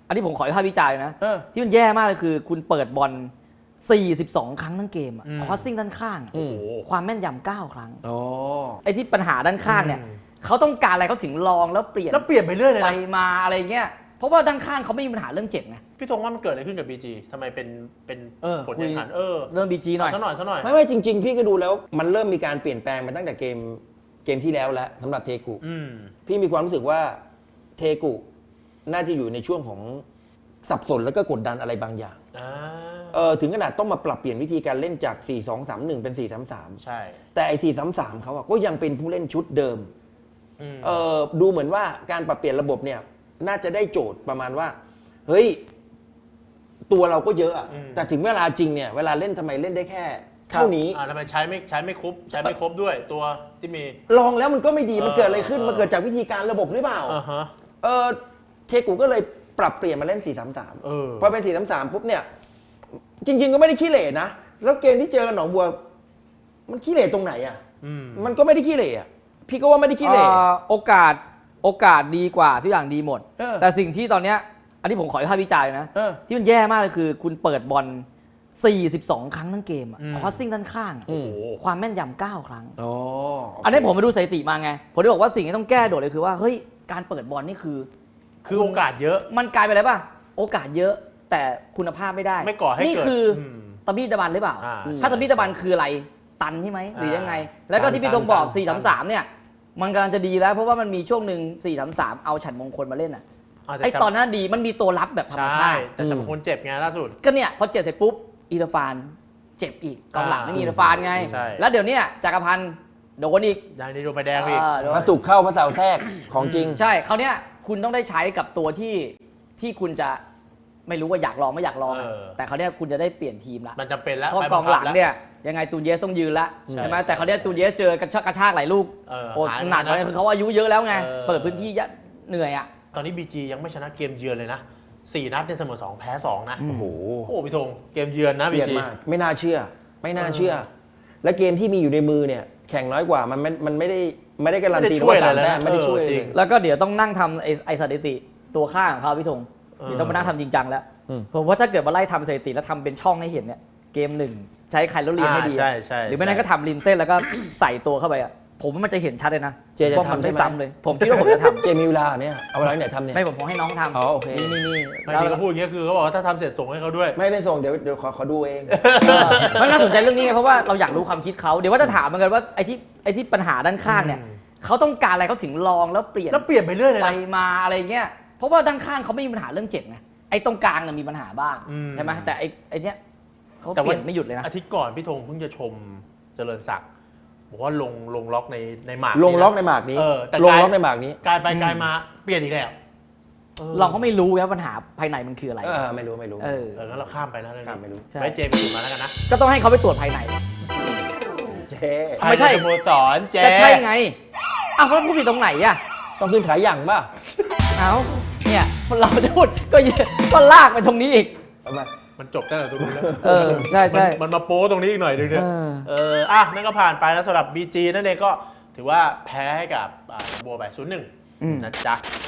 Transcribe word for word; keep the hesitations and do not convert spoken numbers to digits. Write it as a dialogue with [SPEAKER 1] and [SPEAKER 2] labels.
[SPEAKER 1] อันนี้ผมขอวิพากษ์วิจารณ์นะที่มันแย่มากเลยคือคุณเปิดบอลสี่สิบสองครั้งทั้งเกมคอสซิ่งด้านข้างความแม่นยำเก้าครั้งไอ้ที่ปัญหาด้านข้างเนี่ยเขาต้องการอะไรเขาถึงลองแล้วเปลี่ยน
[SPEAKER 2] แล้วเปลี่ยนไปเรื่อยเลยนะ
[SPEAKER 1] ไปมาอะไรเงี้ยเพราะว่าด้านข้างเขาไม่มีปัญหาเรื่องเจ็บไง
[SPEAKER 2] พี่ธงว่ามันเกิดอะไรขึ้นกับ บี จี ทำไมเป็นเป็นผลแข่งขันเออ
[SPEAKER 1] เริ่ม บี จี หน่อย
[SPEAKER 2] ซะหน่อยซะหน่อย
[SPEAKER 3] ไม่ไม่จริงๆพี่ก็ดูแล้วมันเริ่มมีการเปลี่ยนแปลงมาตั้งแต่เกมเกมที่แล้วแล้วสำหรับเทกุพี่มีความรู้สึกว่าเทกุน่าจะอยู่ในช่วงของสับสนแล้วก็กดดันอะไรบางอย่างเออถึงขนาดต้องมาปรับเปลี่ยนวิธีการเล่นจาก สี่ สอง สาม หนึ่ง เป็น สี่ สาม สาม
[SPEAKER 2] ใช่
[SPEAKER 3] แต่ไอ้ สี่ สาม สาม เขาอะก็ยังเป็นผู้เล่นชุดเดิมเออดูเหมือนว่าการปรับเปลี่ยนระบบเนี่ยน่าจะได้โจทย์ประมาณว่าเฮ้ยตัวเราก็เยอะอะแต่ถึงเวลาจริงเนี่ยเวลาเล่นทำไมเล่นได้แค่เท่านี้
[SPEAKER 2] อ่าทำไมใช้ไม่ใช้ไม่ครบใช้ไม่ครบด้วยตัวที่มี
[SPEAKER 3] ลองแล้วมันก็ไม่ดีมันเกิดอะไรขึ้นมันเกิดจากวิธีการระบบหรือเปล่าเออเทกูก็เลยปรับเปลี่ยนมาเล่น สี่ สาม สาม พอเป็น สี่ สาม สาม ปุ๊บเนี่ยจริงๆก็ไม่ได้ขี้เหร่นะแล้วเกมที่เจอกับหนองบัวมันขี้เหร่ตรงไหนอ่ะมันก็ไม่ได้ขี้เหร่อ่ะพี่ก็ว่าไม่ได้ขี้เหร่
[SPEAKER 1] โอกาสโอกาสดีกว่าทุกอย่างดีหมดแต่สิ่งที่ตอนเนี้ยอันนี้ผมขอวิพากษ์วิจารณ์นะที่มันแย่มากเลยคือคุณเปิดบอลสี่สิบสองครั้งทั้งเกมคอสซิ่งด้านข้างความแม่นยำเก้าครั้งอันนี้ผมไปดูสถิติมาไงผมได้บอกว่าสิ่งที่ต้องแก้โดดเลยคือว่าเฮ้ยการเปิดบอลนี่คือ
[SPEAKER 2] คือโอกาสเยอะ
[SPEAKER 1] มันกลายไปอะไรป่ะโอกาสเยอะแต่คุณภาพไม่ได้
[SPEAKER 2] ไม่ก่อให้เกิดนี่
[SPEAKER 1] คือตะบี้ตะบันหรือเปล่าถ้าตะบี้ตะบันคืออะไรตันใช่ไหมหรือยังไงแล้วก็ที่พี่ธงบอก สี่ สาม สาม เนี่ยมันกำลังจะดีแล้วเพราะว่ามันมีช่วงหนึ่ง สี่ สาม สาม เอาฉันมงคลมาเล่นอ่ะไอตอนนั้นดีมันมีตัวรับแบบธรรมชาติ
[SPEAKER 2] แต่ฉันมงคลเจ็บไงล่าสุด
[SPEAKER 1] ก็เนี่ยพอเจ็บเสร็จปุ๊บอีราฟานเจ็บอีกกองหลังไม่มีอีราฟานไงแล้วเดี๋ยวนี้จักรพันธ์โดนอีก
[SPEAKER 2] อย่างนี้โดนไปแดงอีก
[SPEAKER 3] มาสุกเข้ามาเสาแทรกของจริง
[SPEAKER 1] ใช่เขาเนี้ยคุณต้องได้ใช้กับตัวที่ที่คุณจะไม่รู้ว่าอยากลองไม่อยากลองแต่เขาเนี้ยคุณจะได้เปลี่ยนทีมละ
[SPEAKER 2] มันจำเป็นแล้ว
[SPEAKER 1] เพราะกองหลังเนี่ยยังไงตูนเยสต้องยืนละใช่ไหมแต่เขาเนี้ยตูนเยสเจอกระชากกระชากหลายลูกโอ้หนักเลยคือเขาอายุเยอะแล้วไงเปิดพื้นที่เหนื่อยอ่ะ
[SPEAKER 2] ตอนนี้ บี จี ยังไม่ชนะเกมเยือนเลยนะสี่นัดในเสมอสองแพ้สองนะ
[SPEAKER 3] โอ้โห
[SPEAKER 2] โอ้พี่ธงเกมเยือนนะ บี จี
[SPEAKER 3] ไม่น่าเชื่อไม่น่าเชื่อและเกมที่มีอยู่ในมือเนี่ยแข่งน้อยกว่ามันมันไม่ได้ไม่ได้การันตีว่าสามแต้มไม่ได้ช่วยจริง
[SPEAKER 1] แล้วก็เดี๋ยวต้องนั่งทำไอ้ไอ้สถิติตัวข้างของเขาพี่ธงเดี๋ยวต้องมานั่งทำจริงจังแล้วผมว่าถ้าเกิดมาไล่ทำสถิติแล้วทำเป็นช่องให้เห็นเนี่ยเกมหนึ่งใช้ใครแล้วเรียนให้ดีหรือไม่นั้นก็ทำริมเส้นแล้วก็ใส่ตัวเข้าไปอ่ะผมว่ามันจะเห็นชัดเลยนะ
[SPEAKER 3] เจจะทำได้
[SPEAKER 1] ซ้ำเลยผมคิดว่าผมจะทำ
[SPEAKER 3] เจมีเวลาเนี่ยเอาเวลาไหนทำเนี่ย
[SPEAKER 1] ไม่ผมให้น้องทำ
[SPEAKER 3] อ๋อโอเค
[SPEAKER 1] นี่นี่
[SPEAKER 2] ไม่มีเขาพูดอย่างนี้คือเขาบอกว่าถ้าทำเสร็จส่งให้เขาด้วย
[SPEAKER 3] ไม่ไม่ส่งเดี๋ยวเดี๋ยวขอขอดูเอง
[SPEAKER 1] มันน่าสนใจเรื่องนี้ไงเพราะว่าเราอยากรู้ความคิดเขาเดี๋ยวว่าจะถามเหมือนกันว่าไอ้ที่ไอ้ที่ปัญหาด้านข้างเนี่ยเขาต้องการอะไรเขาถึงลองแล้วเปลี่ยน
[SPEAKER 2] แล้วเปลี่ยนไปเรื่อยเลย
[SPEAKER 1] ไปมาอะไรเงี้ยเพราะว่าด้านข้างเขาไม่มีปัญหาเรื่องเจ็บไงไอ้ตรงกลางเนี่ยมีปัญหาบ้างใช่ไหมแต่ไอ้ไอ้เนี้ยเขาเปลี่ยนไม่หยุดเลยนะ
[SPEAKER 2] อาทิตย์ก่อนพี่ธงเพิ่งจะชมเจริญศักดิ์บอกว่าลงลงล็อกในในหมาก
[SPEAKER 3] ลงล็อกในหมากนี้ลงล็อกในหมากนี้
[SPEAKER 2] กลายไปกลายมาเปลี่ยนอีกแล้ว
[SPEAKER 1] เราก็ไม่รู้ว่าปัญหาภายในมันคืออะไร
[SPEAKER 3] เออไม่รู้ไม่รู้
[SPEAKER 1] เออ
[SPEAKER 2] งั้นเราข้ามไปนะเรื่องนี้
[SPEAKER 3] ไม่รู้
[SPEAKER 2] ไว้เจมี่มาแล้วกันนะ
[SPEAKER 1] ก็ต้องให้เขาไปตรวจภายใน
[SPEAKER 3] เจ
[SPEAKER 1] ไม่ใช่
[SPEAKER 2] สโมสรเจ
[SPEAKER 1] จะใช่ไงอ้าวแล้วพูดผิดตรงไหนอ่ะ
[SPEAKER 3] ต้องขึ้นขายอย่างป่ะ
[SPEAKER 1] เอ้าเนี่ยเราจะพูดก็ก็ลากไปตรงนี้อีก
[SPEAKER 2] มันจบตั้งแต่ตรงนี้แล้ว
[SPEAKER 1] เออใช่ใช่
[SPEAKER 2] มันมาโป้ตรงนี้อีกหน่อยนึงเนี่ยเอออ่ะนั่นก็ผ่านไปแล้วสำหรับ บี จี นั่นเองก็ถือว่าแพ้ให้กับบัวไป ศูนย์หนึ่ง นะจ๊ะ